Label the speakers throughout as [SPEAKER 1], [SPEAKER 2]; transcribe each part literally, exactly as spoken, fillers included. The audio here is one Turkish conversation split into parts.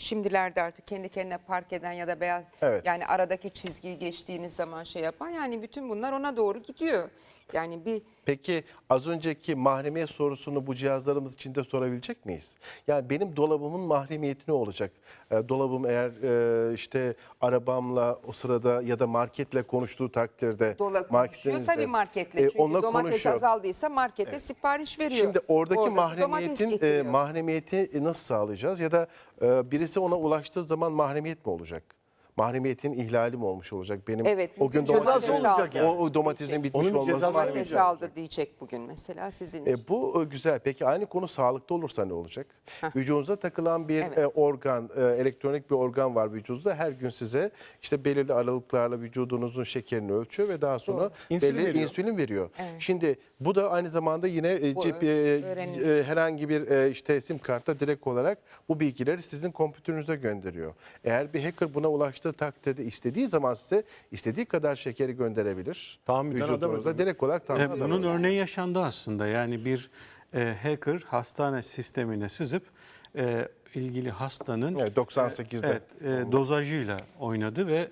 [SPEAKER 1] Şimdilerde artık kendi kendine park eden ya da beyaz
[SPEAKER 2] Evet.
[SPEAKER 1] yani aradaki çizgiyi geçtiğiniz zaman şey yapan yani bütün bunlar ona doğru gidiyor. Yani bir
[SPEAKER 2] Peki az önceki mahremiyet sorusunu bu cihazlarımız için de sorabilecek miyiz? Yani benim dolabımın mahremiyeti ne olacak? E, dolabım eğer e, işte arabamla o sırada ya da marketle konuştuğu takdirde
[SPEAKER 1] dola konuşuyor
[SPEAKER 2] marketlerinizde,
[SPEAKER 1] tabii marketle.
[SPEAKER 2] e,
[SPEAKER 1] Çünkü
[SPEAKER 2] onunla
[SPEAKER 1] domates
[SPEAKER 2] konuşuyor.
[SPEAKER 1] azaldıysa markete sipariş veriyor.
[SPEAKER 2] Şimdi oradaki
[SPEAKER 1] Oradaki domates
[SPEAKER 2] mahremiyetin e,
[SPEAKER 1] getiriyor.
[SPEAKER 2] mahremiyeti nasıl sağlayacağız? Ya da e, birisi ona ulaştığı zaman mahremiyet mi olacak? Mahremiyetin ihlali mi olmuş olacak? Benim
[SPEAKER 1] Evet,
[SPEAKER 2] o gün
[SPEAKER 1] bugün
[SPEAKER 2] domatesin,
[SPEAKER 1] cezası olacak
[SPEAKER 2] o,
[SPEAKER 1] yani.
[SPEAKER 2] o domatesin bitmiş
[SPEAKER 3] Onun bir
[SPEAKER 2] olması
[SPEAKER 3] cezası
[SPEAKER 2] mahremiyet.
[SPEAKER 1] Domates aldı diyecek bugün mesela sizin için.
[SPEAKER 2] E, bu e, güzel. Peki aynı konu sağlıkta olursa ne olacak? Vücudunuza takılan bir
[SPEAKER 1] Evet.
[SPEAKER 2] e, organ, e, elektronik bir organ var vücudunuzda. Her gün size işte belirli aralıklarla vücudunuzun şekerini ölçüyor ve daha sonra
[SPEAKER 3] İnsülin
[SPEAKER 2] belli
[SPEAKER 3] veriyor.
[SPEAKER 2] insülin veriyor. Şimdi bu da aynı zamanda yine e,
[SPEAKER 1] Bu
[SPEAKER 2] cep,
[SPEAKER 1] ö-
[SPEAKER 2] e,
[SPEAKER 1] öğrenilir.
[SPEAKER 2] e, herhangi bir e, işte sim kartta direkt olarak bu bilgileri sizin kompütürünüze gönderiyor. Eğer bir hacker buna ulaştığı takdirde istediği zaman size istediği kadar şekeri gönderebilir.
[SPEAKER 3] Tahammüden adam
[SPEAKER 2] Vücudunuzda
[SPEAKER 3] öldürmek.
[SPEAKER 2] direkt olarak
[SPEAKER 4] E,
[SPEAKER 2] tahammüden
[SPEAKER 4] bunun
[SPEAKER 2] öldürmek.
[SPEAKER 4] örneği yaşandı aslında. Yani bir e, hacker hastane sistemine sızıp e, ilgili hastanın
[SPEAKER 2] Evet, doksan sekizde
[SPEAKER 4] evet, e, dozajıyla oynadı ve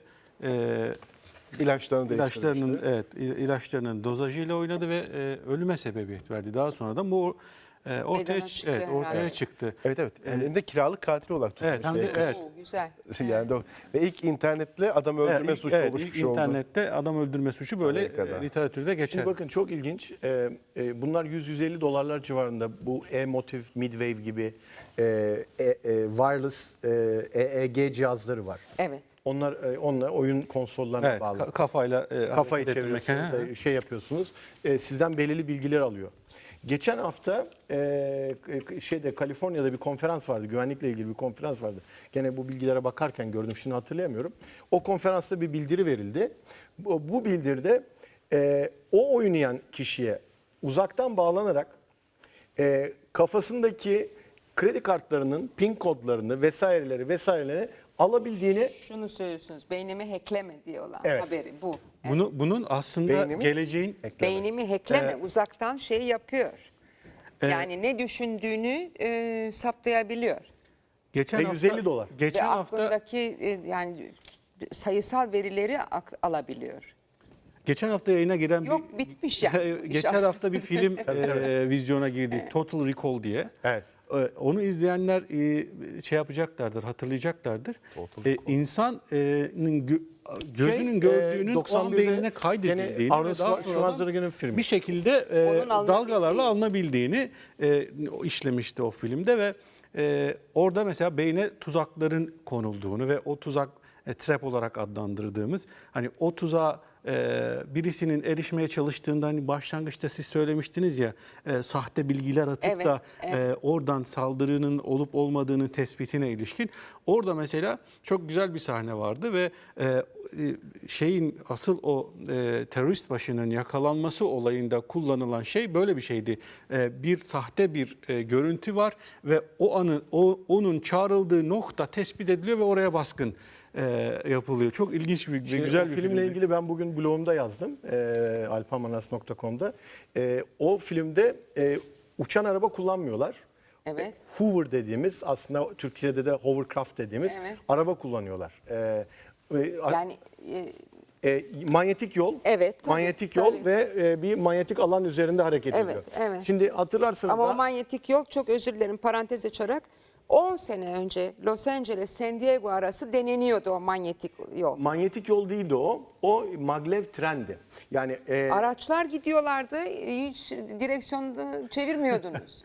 [SPEAKER 4] e,
[SPEAKER 2] ilaçlarını
[SPEAKER 4] ilaçlarının
[SPEAKER 2] değiştirmişti.
[SPEAKER 4] evet il- ilaçlarının dozajıyla oynadı ve e, ölüme sebebiyet verdi. Daha sonra da bu e, ortaya
[SPEAKER 1] Meydana
[SPEAKER 4] ç-
[SPEAKER 1] çıktı
[SPEAKER 4] evet, ortaya
[SPEAKER 1] herhalde.
[SPEAKER 4] çıktı.
[SPEAKER 2] Evet evet. Hem de kiralık katil olarak tutulmuş.
[SPEAKER 4] Evet, hem de
[SPEAKER 2] hacker.
[SPEAKER 4] evet.
[SPEAKER 1] Oo, güzel.
[SPEAKER 2] Yani de- ve ilk internetle adam öldürme
[SPEAKER 4] Evet,
[SPEAKER 2] suçu
[SPEAKER 4] evet,
[SPEAKER 2] oluşmuş
[SPEAKER 4] ilk
[SPEAKER 2] oldu.
[SPEAKER 4] internette adam öldürme suçu böyle
[SPEAKER 2] Amerika'da.
[SPEAKER 4] e, literatürde geçer.
[SPEAKER 3] Şimdi bakın çok ilginç. Ee, e, bunlar yüz yüz elli dolarlar civarında. Bu e-motiv, midwave gibi e, e, e, wireless e, E E G cihazları var.
[SPEAKER 1] Evet.
[SPEAKER 3] Onlar e, onlar oyun konsollarına
[SPEAKER 4] Evet,
[SPEAKER 3] bağlı.
[SPEAKER 4] ka- kafayla e,
[SPEAKER 3] Kafayı
[SPEAKER 4] hareket ettirmek.
[SPEAKER 3] çeviriyorsunuz,
[SPEAKER 4] Hı hı.
[SPEAKER 3] e, şey yapıyorsunuz. E, sizden belirli bilgiler alıyor. Geçen hafta e, şeyde Kaliforniya'da bir konferans vardı. Güvenlikle ilgili bir konferans vardı. Gene bu bilgilere bakarken gördüm. Şimdi hatırlayamıyorum. O konferansta bir bildiri verildi. Bu, bu bildiride e, o oynayan kişiye uzaktan bağlanarak e, kafasındaki kredi kartlarının pin kodlarını vesaireleri vesaireleri alabildiğini
[SPEAKER 1] Şunu söylüyorsunuz. Beynimi hackleme diyorlar
[SPEAKER 3] Evet.
[SPEAKER 1] haberi bu.
[SPEAKER 4] Bunu, bunun aslında
[SPEAKER 2] Beynimi-
[SPEAKER 4] geleceğin
[SPEAKER 2] Ekleme.
[SPEAKER 1] Beynimi hackleme
[SPEAKER 4] Ee,
[SPEAKER 1] uzaktan şey yapıyor.
[SPEAKER 4] e,
[SPEAKER 1] Yani ne düşündüğünü e, saptayabiliyor.
[SPEAKER 4] geçen
[SPEAKER 3] Ve
[SPEAKER 4] hafta
[SPEAKER 3] yüz elli dolar.
[SPEAKER 4] Geçen
[SPEAKER 1] Ve
[SPEAKER 4] hafta
[SPEAKER 1] aklındaki e, yani sayısal verileri ak- alabiliyor.
[SPEAKER 4] geçen hafta yayına giren
[SPEAKER 1] Yok,
[SPEAKER 4] bir
[SPEAKER 1] bitmiş yani.
[SPEAKER 4] geçen
[SPEAKER 1] İş
[SPEAKER 4] hafta bir film e, vizyona girdi. Total Recall diye.
[SPEAKER 3] Evet.
[SPEAKER 4] E, Onu izleyenler e, şey yapacaklardır, hatırlayacaklardır. E, İnsanın gö- gözünün
[SPEAKER 3] Şey,
[SPEAKER 4] gördüğünün
[SPEAKER 3] e,
[SPEAKER 4] o an
[SPEAKER 3] doksan birde
[SPEAKER 4] beynine kaydedildiğini
[SPEAKER 3] gene
[SPEAKER 4] ve
[SPEAKER 3] Arnold
[SPEAKER 4] daha sonradan
[SPEAKER 3] Schwarzenegger'in filmi.
[SPEAKER 4] bir şekilde e,
[SPEAKER 1] Onun alınabildiği.
[SPEAKER 4] dalgalarla alınabildiğini e, o işlemişti o filmde ve e, orada mesela beyne tuzakların konulduğunu ve o tuzak e, trap olarak adlandırdığımız hani o tuzağa e, birisinin erişmeye çalıştığında hani başlangıçta siz söylemiştiniz ya e, sahte bilgiler atıp
[SPEAKER 1] Evet,
[SPEAKER 4] da
[SPEAKER 1] evet.
[SPEAKER 4] e, oradan saldırının olup olmadığının tespitine ilişkin. Orada mesela çok güzel bir sahne vardı ve e, e, şeyin asıl o e, terörist başının yakalanması olayında kullanılan şey böyle bir şeydi. E, bir sahte bir e, görüntü var ve o anı o onun çağrıldığı nokta tespit ediliyor ve oraya baskın e, yapılıyor. Çok ilginç bir,
[SPEAKER 3] Şimdi
[SPEAKER 4] güzel
[SPEAKER 3] o
[SPEAKER 4] bir
[SPEAKER 3] filmle
[SPEAKER 4] filmdi.
[SPEAKER 3] ilgili ben bugün blogumda yazdım. E, alpamanas nokta com'da. E, o filmde e, uçan araba kullanmıyorlar.
[SPEAKER 1] Evet.
[SPEAKER 3] Hoover dediğimiz aslında Türkiye'de de hovercraft dediğimiz
[SPEAKER 1] Evet.
[SPEAKER 3] araba kullanıyorlar. E, ve-
[SPEAKER 1] Yani e,
[SPEAKER 3] e, manyetik yol,
[SPEAKER 1] Evet, tabii,
[SPEAKER 3] manyetik yol
[SPEAKER 1] tabii.
[SPEAKER 3] ve e, bir manyetik alan üzerinde hareket
[SPEAKER 1] Evet,
[SPEAKER 3] ediyor.
[SPEAKER 1] evet.
[SPEAKER 3] Şimdi hatırlarsınız
[SPEAKER 1] ama
[SPEAKER 3] da
[SPEAKER 1] o manyetik yol çok özür dilerim parantez açarak on sene önce Los Angeles San Diego arası deneniyordu o manyetik yol.
[SPEAKER 3] manyetik yol değildi o. O maglev trendi. Yani e,
[SPEAKER 1] Araçlar gidiyorlardı, hiç direksiyonu çevirmiyordunuz.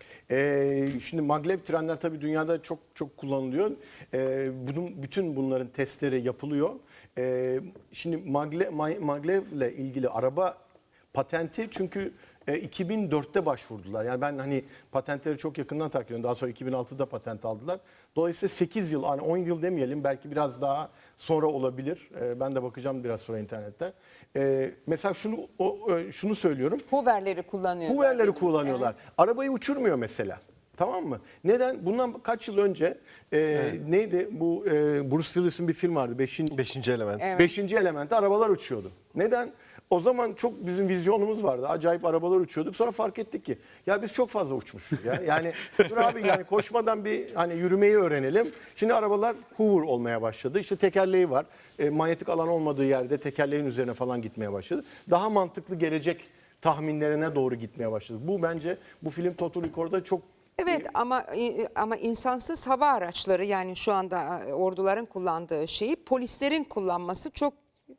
[SPEAKER 3] Ee, şimdi maglev trenler tabii dünyada çok çok kullanılıyor. Ee, bunun bütün bunların testleri yapılıyor. Ee, şimdi magle, ma- maglevle ilgili araba patenti çünkü e, iki bin dörtte başvurdular. Yani ben hani patentleri çok yakından takip ediyorum. Daha sonra iki bin altıda patent aldılar. Dolayısıyla sekiz yıl, hani on yıl demeyelim, belki biraz daha sonra olabilir. Ee, ben de bakacağım biraz sonra internette. Ee, mesela şunu o, e, şunu söylüyorum.
[SPEAKER 1] Hoover'leri kullanıyorlar.
[SPEAKER 3] Hoover'leri
[SPEAKER 1] dediniz,
[SPEAKER 3] kullanıyorlar. Arabayı uçurmuyor mesela. Tamam mı? Neden? Bundan kaç yıl önce e, neydi bu e, Bruce Willis'in bir film vardı. Beşinci,
[SPEAKER 2] Beşinci element.
[SPEAKER 1] Evet.
[SPEAKER 3] Beşinci elementte arabalar uçuyordu. Neden? O zaman çok bizim vizyonumuz vardı. Acayip arabalar uçuyorduk. Sonra fark ettik ki ya biz çok fazla uçmuşuz ya. Yani dur abi yani koşmadan bir hani yürümeyi öğrenelim. Şimdi arabalar hover olmaya başladı. İşte tekerleği var. E, manyetik alan olmadığı yerde tekerleğin üzerine falan gitmeye başladı. Daha mantıklı gelecek tahminlerine doğru gitmeye başladı. Bu bence bu film Total Recall'da çok
[SPEAKER 1] Evet ama ama insansız hava araçları, yani şu anda orduların kullandığı şeyi polislerin kullanması çok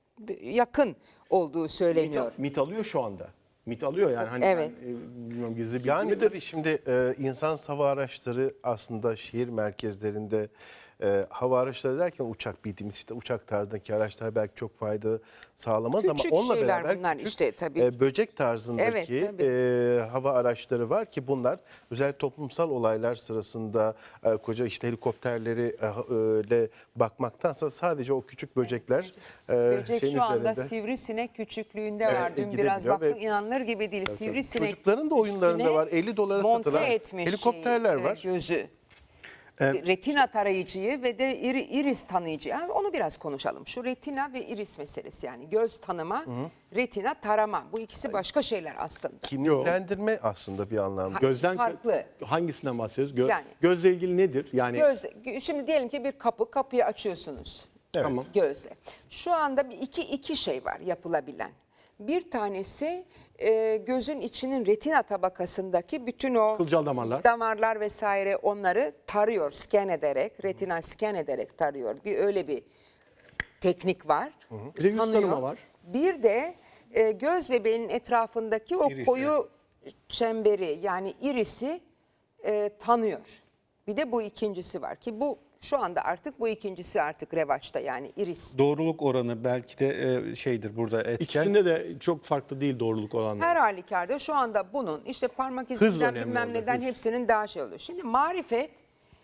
[SPEAKER 1] yakın olduğu söyleniyor.
[SPEAKER 3] mit, mit alıyor şu anda. Mit alıyor yani hani
[SPEAKER 1] Evet.
[SPEAKER 3] ben, e, bilmiyorum gizli bilgi
[SPEAKER 2] Yani
[SPEAKER 3] midir?
[SPEAKER 2] tabii şimdi e, insan hava araçları aslında şehir merkezlerinde e, hava araçları derken uçak bildiğimiz işte uçak tarzındaki araçlar belki çok fayda sağlamaz
[SPEAKER 1] Küçük
[SPEAKER 2] ama onunla
[SPEAKER 1] şeyler
[SPEAKER 2] beraber
[SPEAKER 1] bunlar
[SPEAKER 2] küçük,
[SPEAKER 1] işte tabii.
[SPEAKER 2] e, böcek tarzındaki
[SPEAKER 1] Evet, tabii.
[SPEAKER 2] e, hava araçları var ki bunlar özel toplumsal olaylar sırasında e, koca işte helikopterleri e, öyle bakmaktansa sadece o küçük böcekler e,
[SPEAKER 1] Böcek
[SPEAKER 2] şeyin
[SPEAKER 1] şu anda
[SPEAKER 2] üzerinde.
[SPEAKER 1] sivrisinek küçüklüğünde
[SPEAKER 2] Evet,
[SPEAKER 1] var. Dün
[SPEAKER 2] gidebiliyor
[SPEAKER 1] biraz baktım,
[SPEAKER 2] ve-
[SPEAKER 1] inanılır gibi değil. Sivrisinek
[SPEAKER 2] Çocukların da oyunlarında
[SPEAKER 1] üstüne
[SPEAKER 2] var. elli dolara
[SPEAKER 1] monte
[SPEAKER 2] satılan
[SPEAKER 1] etmiş
[SPEAKER 2] helikopterler
[SPEAKER 1] şeyi,
[SPEAKER 2] var.
[SPEAKER 1] evet, gözü. Retina tarayıcıyı ve de iri- iris tanıyıcı. Yani onu biraz konuşalım. Şu retina ve iris meselesi, yani göz tanıma, retina tarama. Bu ikisi başka şeyler aslında.
[SPEAKER 2] Kimliklendirme aslında bir anlamda.
[SPEAKER 3] Gözden
[SPEAKER 1] farklı.
[SPEAKER 3] hangisinden bahsediyoruz? Gö-
[SPEAKER 1] Yani-
[SPEAKER 3] gözle ilgili nedir? Yani
[SPEAKER 1] Göz, şimdi diyelim ki bir kapı, kapıyı açıyorsunuz.
[SPEAKER 3] Tamam.
[SPEAKER 1] Gözle. Şu anda bir iki iki şey var yapılabilen. Bir tanesi e, gözün içinin retina tabakasındaki bütün o
[SPEAKER 3] Kılcal damarlar.
[SPEAKER 1] damarlar vesaire, onları tarıyor, scan ederek, retinal scan ederek tarıyor. Bir öyle bir teknik var.
[SPEAKER 3] Bir de yüz
[SPEAKER 1] Tanıyor.
[SPEAKER 3] tanıma var.
[SPEAKER 1] Bir de e, göz bebeğinin etrafındaki o
[SPEAKER 4] İris,
[SPEAKER 1] koyu çemberi, yani irisi e, tanıyor. Bir de bu ikincisi var ki bu şu anda artık bu ikincisi artık revaçta, yani iris.
[SPEAKER 4] Doğruluk oranı belki de e, şeydir burada etken.
[SPEAKER 3] İkisinde de çok farklı değil doğruluk olanları.
[SPEAKER 1] Her halükarda şu anda bunun işte parmak izinden
[SPEAKER 3] önemli
[SPEAKER 1] bilmem
[SPEAKER 3] orada,
[SPEAKER 1] neden
[SPEAKER 3] hız.
[SPEAKER 1] hepsinin daha şey oluyor. Şimdi marifet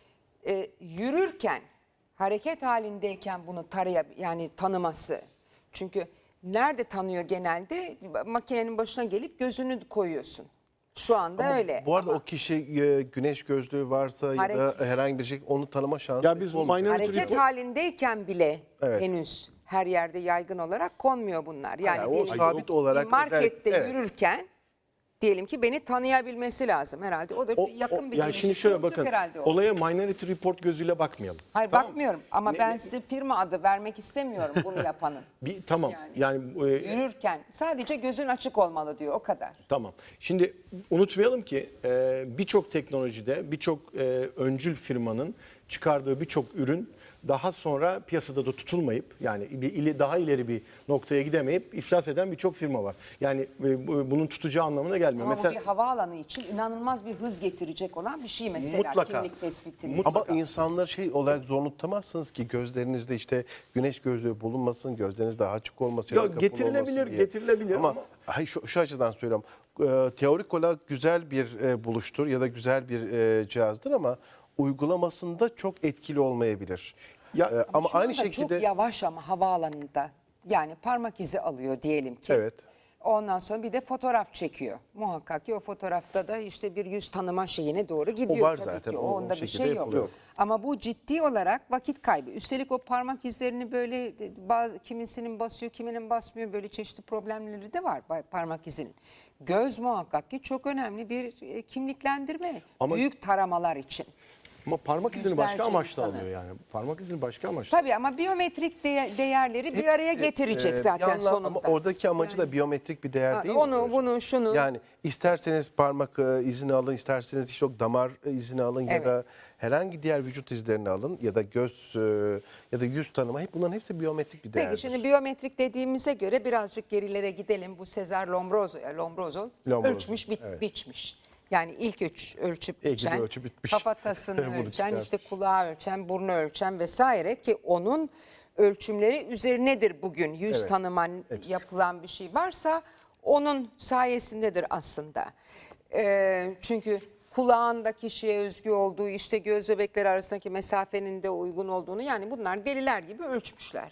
[SPEAKER 1] e, yürürken, hareket halindeyken bunu taraya, yani tanıması. Çünkü nerede tanıyor genelde? Makinenin başına gelip gözünü koyuyorsun. Şu anda öyle.
[SPEAKER 2] Bu arada
[SPEAKER 1] Ama
[SPEAKER 2] o kişi e, güneş gözlüğü varsa ya da
[SPEAKER 1] Hareket-
[SPEAKER 2] herhangi bir şey onu tanıma şansı
[SPEAKER 3] Ya biz
[SPEAKER 2] olmayacak.
[SPEAKER 3] minor-
[SPEAKER 1] hareket
[SPEAKER 3] report-
[SPEAKER 1] halindeyken bile
[SPEAKER 2] Evet.
[SPEAKER 1] henüz her yerde yaygın olarak konmuyor bunlar. Yani
[SPEAKER 2] Yani o
[SPEAKER 1] diyelim ki
[SPEAKER 2] sabit olarak
[SPEAKER 1] bir markette
[SPEAKER 2] özel- evet.
[SPEAKER 1] yürürken diyelim ki beni tanıyabilmesi lazım herhalde. O da
[SPEAKER 3] O-
[SPEAKER 1] yakın
[SPEAKER 3] o-
[SPEAKER 1] bir
[SPEAKER 3] yani
[SPEAKER 1] gelecek
[SPEAKER 3] şimdi şöyle
[SPEAKER 1] olacak
[SPEAKER 3] bakın
[SPEAKER 1] herhalde o.
[SPEAKER 3] olaya Minority Report gözüyle bakmayalım.
[SPEAKER 1] Hayır
[SPEAKER 3] Tamam.
[SPEAKER 1] bakmıyorum ama
[SPEAKER 3] Ne-
[SPEAKER 1] ben
[SPEAKER 3] ne-
[SPEAKER 1] size firma adı vermek istemiyorum bunu yapanın.
[SPEAKER 3] Bir, tamam
[SPEAKER 1] Yani-
[SPEAKER 3] yani, e,
[SPEAKER 1] Yürürken sadece gözün açık olmalı diyor, o kadar.
[SPEAKER 3] tamam. Şimdi unutmayalım ki e, birçok teknolojide birçok e, öncül firmanın çıkardığı birçok ürün daha sonra piyasada da tutulmayıp yani bir ili, daha ileri bir noktaya gidemeyip iflas eden birçok firma var. Yani e, bu- bunun tutacağı anlamına gelmiyor.
[SPEAKER 1] Ama
[SPEAKER 3] Mesela
[SPEAKER 1] bu bir havaalanı için inanılmaz bir hız getirecek olan bir şey mesela,
[SPEAKER 3] Mutlaka.
[SPEAKER 1] kimlik tespitini.
[SPEAKER 2] Ama insanları şey olarak zorunlu tutamazsınız ki gözlerinizde işte güneş gözlüğü bulunmasın, gözleriniz daha açık olmasın.
[SPEAKER 3] Ya
[SPEAKER 2] ya da kapalı
[SPEAKER 3] getirilebilir,
[SPEAKER 2] olmasın diye.
[SPEAKER 3] getirilebilir
[SPEAKER 2] ama,
[SPEAKER 3] ama-
[SPEAKER 2] hayır, şu, şu açıdan söylüyorum. E, teorik olarak güzel bir e, buluştur ya da güzel bir e, cihazdır ama uygulamasında çok etkili olmayabilir.
[SPEAKER 3] Ya,
[SPEAKER 2] E, ama
[SPEAKER 1] Şu
[SPEAKER 2] aynı
[SPEAKER 1] anda
[SPEAKER 2] şekilde
[SPEAKER 1] çok yavaş ama havaalanında, yani parmak izi alıyor diyelim ki.
[SPEAKER 2] Evet.
[SPEAKER 1] Ondan sonra bir de fotoğraf çekiyor. Muhakkak ki o fotoğrafta da işte bir yüz tanıma şeyine doğru gidiyor.
[SPEAKER 2] var
[SPEAKER 1] tabii
[SPEAKER 2] zaten,
[SPEAKER 1] ki.
[SPEAKER 2] o- o
[SPEAKER 1] Onda bir
[SPEAKER 2] şekilde
[SPEAKER 1] şey yok.
[SPEAKER 2] yapılıyor.
[SPEAKER 1] Ama bu ciddi olarak vakit kaybı. Üstelik o parmak izlerini böyle bazı, kimisinin basıyor, kiminin basmıyor. Böyle çeşitli problemleri de var parmak izinin. Göz muhakkak ki çok önemli bir e, kimliklendirme.
[SPEAKER 3] Ama-
[SPEAKER 1] Büyük taramalar için.
[SPEAKER 3] ama parmak izini
[SPEAKER 1] Yüzlerce
[SPEAKER 3] başka amaçla
[SPEAKER 1] insanı.
[SPEAKER 3] alıyor yani. Parmak izini başka amaçla.
[SPEAKER 1] Tabii ama biyometrik değer- değerleri bir araya
[SPEAKER 2] Hepsi,
[SPEAKER 1] getirecek
[SPEAKER 2] e,
[SPEAKER 1] zaten
[SPEAKER 2] bir anlam-
[SPEAKER 1] sonunda.
[SPEAKER 2] Ama oradaki amacı da biyometrik bir değer
[SPEAKER 1] Ha,
[SPEAKER 2] değil mi?
[SPEAKER 1] onu,
[SPEAKER 2] hocam?
[SPEAKER 1] bunu, şunu.
[SPEAKER 2] Yani isterseniz parmak e, izini alın, isterseniz işte o damar e, izini alın ya
[SPEAKER 1] Evet.
[SPEAKER 2] da herhangi diğer vücut izlerini alın ya da göz e, ya da yüz tanıma, hep bunların hepsi biyometrik bir değerdir.
[SPEAKER 1] Peki şimdi biyometrik dediğimize göre birazcık gerilere gidelim. Bu Cesar Lombroso, Lombroso,
[SPEAKER 2] Lombroso,
[SPEAKER 1] ölçmüş, bit-
[SPEAKER 2] evet.
[SPEAKER 1] biçmiş. Yani ilk ölç, ölçüp
[SPEAKER 2] İlk
[SPEAKER 1] biçen,
[SPEAKER 2] ölçü bitmiş.
[SPEAKER 1] kafatasını
[SPEAKER 2] Bunu
[SPEAKER 1] ölçen,
[SPEAKER 2] çıkarmış.
[SPEAKER 1] işte kulağı ölçen, burnu ölçen vesaire ki onun ölçümleri üzerinedir bugün. Yüz
[SPEAKER 2] Evet,
[SPEAKER 1] tanıman
[SPEAKER 2] hepsi.
[SPEAKER 1] yapılan bir şey varsa onun sayesindedir aslında. Ee, çünkü kulağında kişiye özgü olduğu, işte göz bebekleri arasındaki mesafenin de uygun olduğunu, yani bunlar deliler gibi ölçmüşler.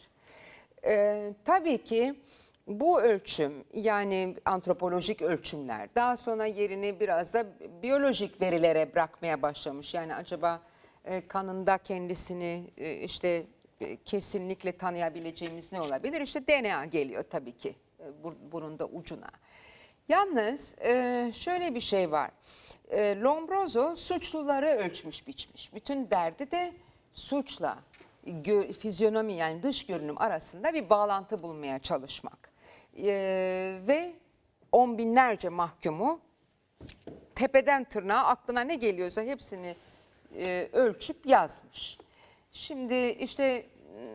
[SPEAKER 1] Ee, tabii ki bu ölçüm, yani antropolojik ölçümler daha sonra yerini biraz da biyolojik verilere bırakmaya başlamış. Yani acaba e, kanında kendisini e, işte e, kesinlikle tanıyabileceğimiz ne olabilir? İşte D N A geliyor tabii ki. e, bur- burunda ucuna. Yalnız e, şöyle bir şey var. E, Lombroso suçluları ölçmüş biçmiş. Bütün derdi de suçla gö- fizyonomi yani dış görünüm arasında bir bağlantı bulmaya çalışmak. E, ve on binlerce mahkumu tepeden tırnağa aklına ne geliyorsa hepsini e, ölçüp yazmış. Şimdi işte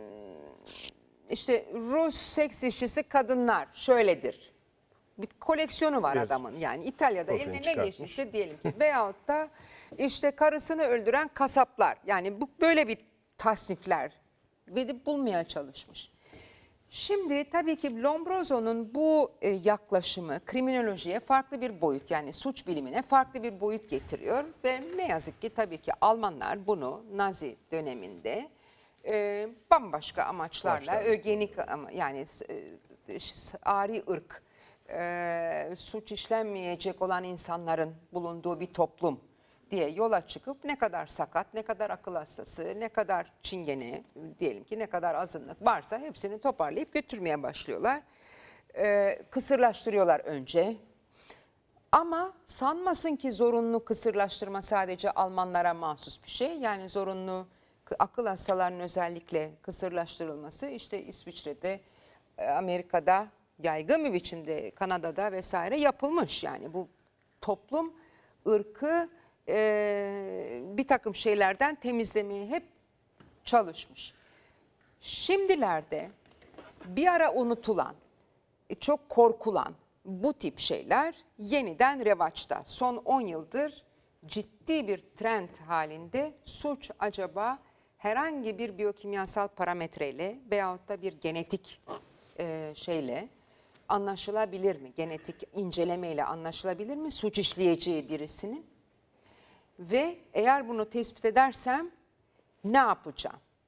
[SPEAKER 1] işte Rus seks işçisi kadınlar şöyledir. Bir koleksiyonu var
[SPEAKER 2] Evet.
[SPEAKER 1] adamın. Yani İtalya'da
[SPEAKER 2] Ortaya
[SPEAKER 1] eline ne
[SPEAKER 2] çıkartmış.
[SPEAKER 1] geçtiyse diyelim ki. Veyahut da işte karısını öldüren kasaplar. Yani bu böyle bir tasnifler verip bulmaya çalışmış. Şimdi tabii ki Lombroso'nun bu e, yaklaşımı kriminolojiye farklı bir boyut yani suç bilimine farklı bir boyut getiriyor ve ne yazık ki tabii ki Almanlar bunu Nazi döneminde e, bambaşka amaçlarla
[SPEAKER 2] Amaçlarla.
[SPEAKER 1] ögenik ama yani e, ari ırk e, suç işlenmeyecek olan insanların bulunduğu bir toplum diye yola çıkıp ne kadar sakat, ne kadar akıl hastası, ne kadar çingene diyelim ki ne kadar azınlık varsa hepsini toparlayıp götürmeye başlıyorlar. Ee, kısırlaştırıyorlar önce. Ama sanmasın ki zorunlu kısırlaştırma sadece Almanlara mahsus bir şey. Yani zorunlu k- akıl hastalarının özellikle kısırlaştırılması işte İsviçre'de, e, Amerika'da yaygın bir biçimde Kanada'da vesaire yapılmış. Yani bu toplum ırkı e, bir takım şeylerden temizlemeye hep çalışmış. Şimdilerde bir ara unutulan, e, çok korkulan bu tip şeyler yeniden revaçta. Son on yıldır ciddi bir trend halinde suç acaba herhangi bir biyokimyasal parametreyle veyahut da bir genetik e, şeyle anlaşılabilir mi? Genetik incelemeyle anlaşılabilir mi? Suç işleyeceği birisinin. Ve eğer bunu tespit edersem ne yapacağım?